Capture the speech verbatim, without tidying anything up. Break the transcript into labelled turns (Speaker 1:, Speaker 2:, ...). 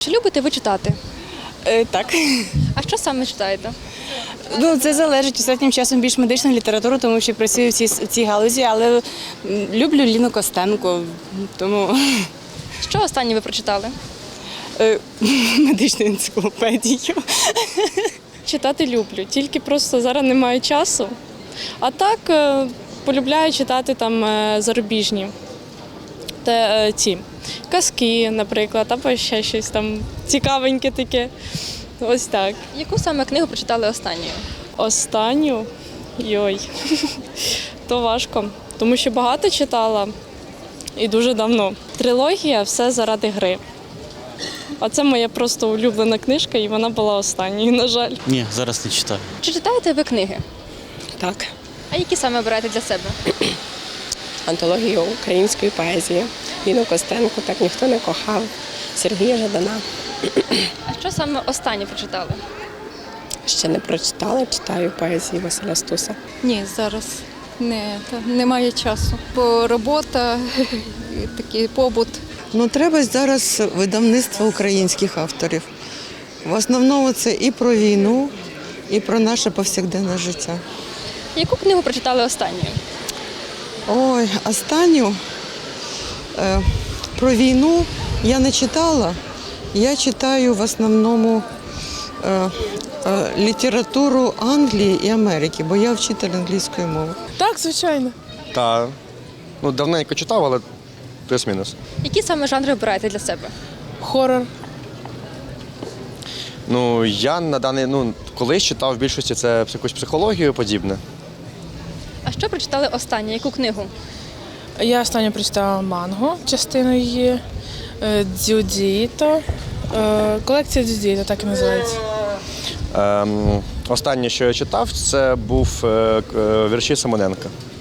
Speaker 1: Чи любите ви читати?
Speaker 2: Е, так.
Speaker 1: А що саме читаєте?
Speaker 2: Ну, це залежить останнім часом більш медичну літературу, тому що працюю в цій, в цій галузі, але м, люблю Ліну Костенко, тому
Speaker 1: Що останнє ви прочитали?
Speaker 2: е, медичну енциклопедію.
Speaker 3: Читати люблю, тільки просто зараз немає часу. А так е, полюбляю читати там е, зарубіжні те, е, ті казки, наприклад, або ще щось там цікавеньке таке. Ось так.
Speaker 1: Яку саме книгу прочитали останньою?
Speaker 3: Останню, йой, то важко, тому що багато читала і дуже давно. Трилогія «Все заради гри». А це моя просто улюблена книжка, і вона була останньою, на жаль.
Speaker 4: Ні, зараз не читаю.
Speaker 1: Чи читаєте ви книги?
Speaker 5: Так,
Speaker 1: А які саме обираєте для себе?
Speaker 5: антологію української поезії. Ліну Костенко так ніхто не кохав. Сергія Жадана.
Speaker 1: А що саме останнє прочитали?
Speaker 5: Ще не прочитала, читаю поезії Василя Стуса.
Speaker 6: Ні, зараз не, та, немає часу. Бо робота, і такий побут.
Speaker 7: Ну, треба зараз видавництво українських авторів. В основному це і про війну, і про наше повсякденне життя.
Speaker 1: Яку книгу прочитали останньою?
Speaker 7: Ой, останню е, про війну я не читала. Я читаю в основному е, е, літературу Англії і Америки, бо я вчитель англійської мови.
Speaker 8: Так, звичайно.
Speaker 9: Та ну давненько читав, але плюс-мінус.
Speaker 1: Які саме жанри обираєте для себе?
Speaker 8: Хорор.
Speaker 9: Ну я на даний ну колись читав в більшості це якусь психологію подібне.
Speaker 1: А що прочитали останнє? Яку книгу?
Speaker 8: Я останньо прочитала «Манго», частину її, е, «Дзюдзіто». Е, Колекція «Дзюдзіто», так і називається.
Speaker 9: Ем, останнє, що я читав, це був е, к- е, вірші Симоненка.